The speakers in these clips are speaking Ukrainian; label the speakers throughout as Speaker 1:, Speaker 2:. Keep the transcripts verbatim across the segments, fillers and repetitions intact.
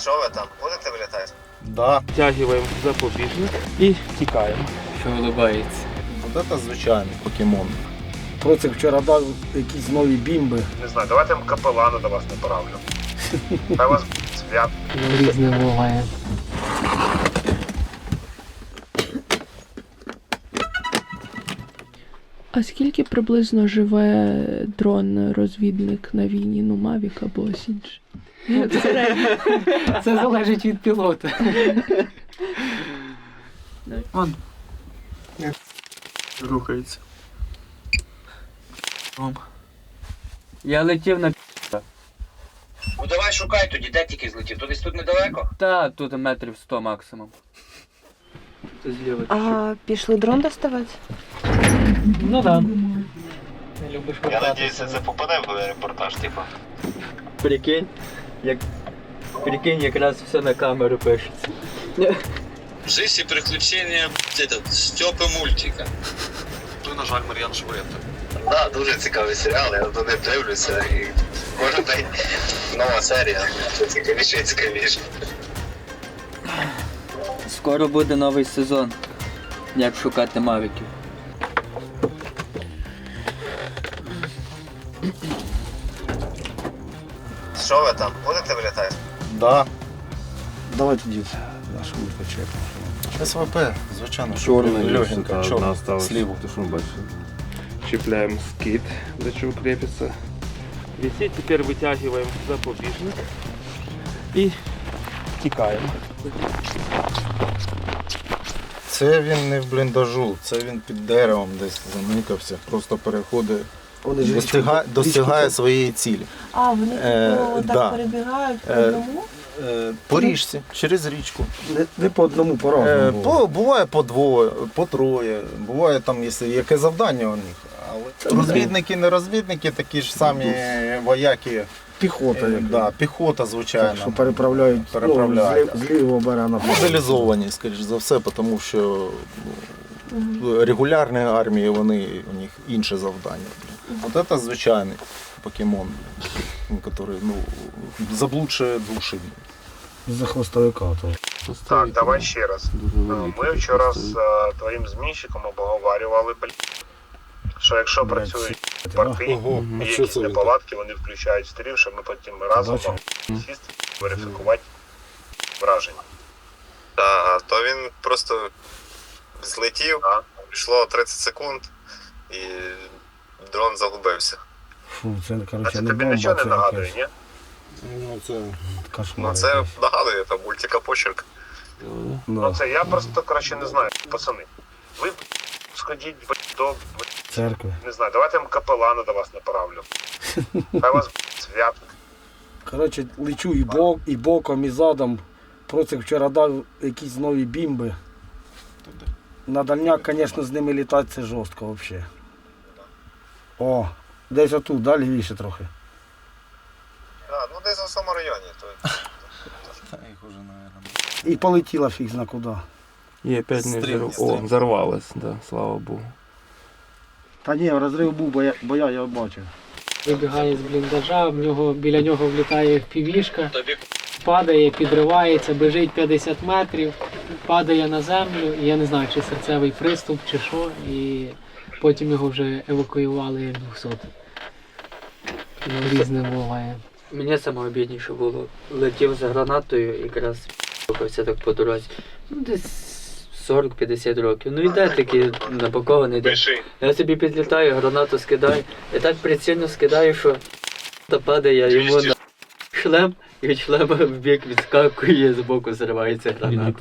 Speaker 1: Що ви там? Будете вилітати?
Speaker 2: Да.
Speaker 3: Втягиваємо запобіжник і тікаємо.
Speaker 4: Що улыбається.
Speaker 2: Вот это звичайний покемон.
Speaker 5: Процик вчора дав якісь нові бімби.
Speaker 1: Не знаю, давайте я капелана до вас направлю. Хай вас свят.
Speaker 4: Різне буває.
Speaker 6: А скільки приблизно живе дрон-розвідник на війні? Ну, Мавік або ось інший?
Speaker 4: Це залежить від пілота. Вон.
Speaker 3: Рухається.
Speaker 4: Я летів на
Speaker 7: Ну давай шукай тоді, де тільки злетів. То десь тут недалеко?
Speaker 4: Та, тут метрів сто максимум. Це зліва.
Speaker 8: А пішли дрон доставати?
Speaker 4: Ну да. Не любиш
Speaker 1: Я надіюся, це попаде в репортаж, типу.
Speaker 4: Прикинь, як... Прикинь, якраз все на камеру пишеться.
Speaker 7: Жизнь і приключення Стьопи мультика.
Speaker 1: Ну, на жаль, Мар'ян Швед. Так, дуже цікавий серіал, я до них дивлюся і кожен день нова серія. Все цікавіше і цікавіше.
Speaker 4: Скоро буде новий сезон. Як шукати мавіків.
Speaker 1: Що ви там? Будете вилітати?
Speaker 2: Да.
Speaker 5: Давай тоді нашу почекаємо.
Speaker 2: СВП, звичайно.
Speaker 3: Чорний,
Speaker 2: легенька, чорна,
Speaker 3: осталось.
Speaker 2: сліву.
Speaker 3: Ти що бачиш? Чіпляємо скид, до чого крепиться. Висить, тепер витягуємо запобіжник і тікаємо.
Speaker 2: Це він не в бліндажу, це він під деревом десь заникався, просто переходить,
Speaker 5: Вони ж
Speaker 2: достигає,
Speaker 5: річку-
Speaker 2: достигає
Speaker 5: річку-
Speaker 2: своєї цілі.
Speaker 8: А, вони
Speaker 2: Е,
Speaker 8: типу, так
Speaker 2: да.
Speaker 8: перебігають по
Speaker 2: Е,
Speaker 8: одному?
Speaker 2: Е, По річці, через річку.
Speaker 5: Не, не по одному по
Speaker 2: Е,
Speaker 5: разному.
Speaker 2: по, буває по двоє, по троє, буває там, якщо яке завдання у них. Але розвідники, не розвідники, такі ж самі вояки.
Speaker 5: Піхота,
Speaker 2: Е,
Speaker 5: як
Speaker 2: да, піхота, звичайно.
Speaker 5: що переправляють,
Speaker 2: Переправляють.
Speaker 5: Ну, з, лів- з лівого берега на правий.
Speaker 2: Мобілізовані, скоріш за все, тому що ну, регулярні армії, вони, у них інше завдання. От це звичайний покемон, який ну, заблудшує душі.
Speaker 5: За хвостовика. То.
Speaker 1: Так, давай ще раз.
Speaker 3: Дуже великий
Speaker 1: Ми вчора з
Speaker 3: стоїть.
Speaker 1: е, твоїм змінщиком обговорювали, блін, що якщо
Speaker 5: Блядь,
Speaker 1: працюють
Speaker 5: сі**ти,
Speaker 1: порти,
Speaker 2: Ого,
Speaker 1: і
Speaker 2: а що
Speaker 1: якісь
Speaker 2: це він
Speaker 1: неполадки, вони включають стрім, щоб ми потім разом
Speaker 5: Бачу.
Speaker 1: могли сісти, верифікувати враження. Так, то він просто злетів, пішло тридцять секунд і дрон загубився.
Speaker 5: Фу, це,
Speaker 1: А
Speaker 5: коротше,
Speaker 1: це
Speaker 5: не
Speaker 1: тобі
Speaker 5: бомба,
Speaker 1: нічого не
Speaker 5: це
Speaker 1: нагадує,
Speaker 5: якась
Speaker 1: ні?
Speaker 2: Ну, це...
Speaker 5: кошмар.
Speaker 1: Ну це
Speaker 5: якийсь.
Speaker 1: нагадує, там мультика почерк.
Speaker 5: Да.
Speaker 1: Ну це я просто, коротше, не знаю, пацани. Ви сходіть до,
Speaker 5: Церкви.
Speaker 1: не знаю, давайте я капелана до вас направлю. Хай вас свят.
Speaker 5: Коротше, лечу і, бок, і боком, і задом. Процик вчора дав якісь нові бімби. На дальняк, звісно, з ними літати це жорстко взагалі. О, десь отут, далі лівіше трохи.
Speaker 1: А, ну десь в цьому районі. То...
Speaker 2: Та їх уже, наверное.
Speaker 5: І полетіла фіг зна куди.
Speaker 3: І опять не
Speaker 2: Стрім,
Speaker 3: взорв...
Speaker 2: стрім.
Speaker 3: О, взорвалось, да, слава Богу.
Speaker 5: Та ні, розрив був, бо я, бо я його бачив.
Speaker 4: Вибігає з бліндажа, в нього, біля нього влітає півішка,
Speaker 7: Тобі
Speaker 4: падає, підривається, біжить п'ятдесят метрів, падає на землю, і я не знаю, чи серцевий приступ, чи що, і потім його вже евакуювали як двохсотих. Різне буває. Мені саме бідніше було. Летів за гранатою, якраз рухався так по дорозі. Ну, десь сорок-п'ятдесят років. Ну йде такий напакований. Йде. Я собі підлітаю, гранату скидаю. І так прицільно скидаю, що та падає йому на шлем, і від шлема в бік відскакує, з боку зривається граната.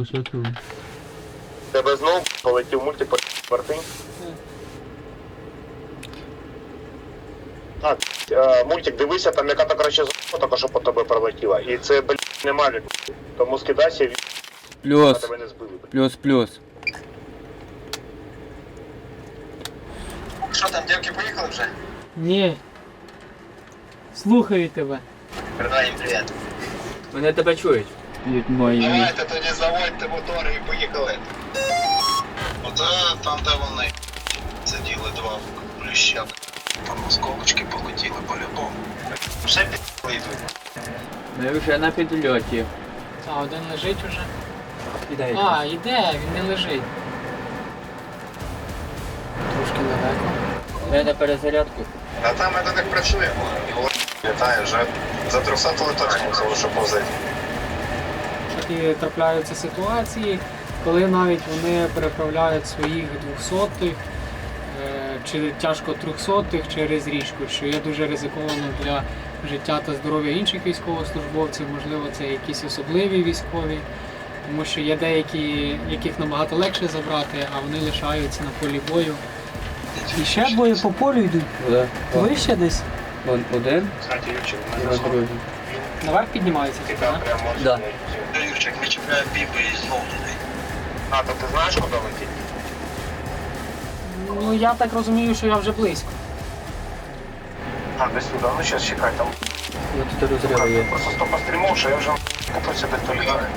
Speaker 1: Тебе знову полетів мультик порти? Так, е, мультик, дивися, там яка-то краще зона, така, що по тобі пролетіла. І це, блін, не малюк. Тому скидайся, і
Speaker 4: Плюс,
Speaker 1: тебе не збили.
Speaker 4: плюс, плюс.
Speaker 7: Що там, дівки поїхали вже?
Speaker 4: Ні. Слухаю тебе.
Speaker 7: Передай їм привіт.
Speaker 4: Вони тебе чують. Мої.
Speaker 7: Давайте тоді заводьте мотори і поїхали. Оце там, де вони сиділи два плюща. Там осколочки полетіли по-любому. Ще пі***ли йдуть.
Speaker 4: Ми вже на підльоті.
Speaker 9: А, один лежить уже.
Speaker 4: Іде
Speaker 9: А, іде, він не лежить. Трошки далеко.
Speaker 4: Іде на перезарядку.
Speaker 1: А там ми до них працюємо. Літає вже за трьохсотою точно мусило, що повзати.
Speaker 9: Такі трапляються ситуації, коли навіть вони переправляють своїх двохсотих е, чи тяжко трьохсотих через річку, що є дуже ризиковано для життя та здоров'я інших військовослужбовців, можливо, це якісь особливі військові, тому що є деякі, яких набагато легше забрати, а вони лишаються на полі бою. І ще двоє по полю йдуть.
Speaker 4: Да.
Speaker 9: Вище десь.
Speaker 4: Вон один,
Speaker 1: Кстати, Юрчик,
Speaker 4: і на другий.
Speaker 9: Наверх піднімаються, типу,
Speaker 1: Тебя
Speaker 9: так?
Speaker 1: прям можна
Speaker 4: Да.
Speaker 1: знайти. Юрчик, не чіпляє бімби і знову туди. А, то ти знаєш, куди летіть?
Speaker 9: Ну я так розумію, що я вже близько.
Speaker 1: А, десь туди, ну зараз чекай, там
Speaker 4: Ну тут розриви є.
Speaker 1: просто сто пострімов, що я вже купив собі то літає.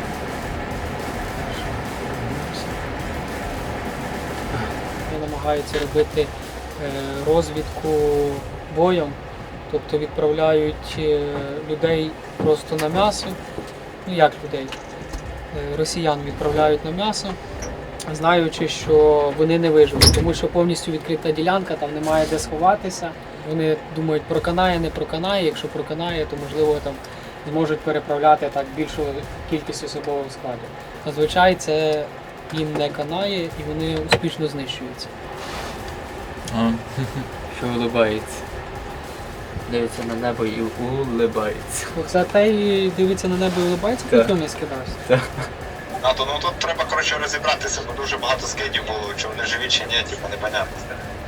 Speaker 9: Вони намагаються робити е, розвідку боєм, тобто відправляють е, людей просто на м'ясо. Ну як людей? Е, Росіян відправляють на м'ясо, знаючи, що вони не виживуть, тому що повністю відкрита ділянка, там немає де сховатися. Вони думають, проканає, не проканає. Якщо проканає, то можливо там зможуть переправляти так більшу кількість особового складу. Зазвичай це їм не канає і вони успішно знищуються.
Speaker 4: Що улибається. Дивиться на небо і улибається.
Speaker 9: Оце те і дивиться на небо і улибається,
Speaker 4: Так.
Speaker 9: потім не скидався.
Speaker 1: А то ну тут треба коротше розібратися, бо дуже багато скидів було, чи вони живі чи ні, типу непонятно.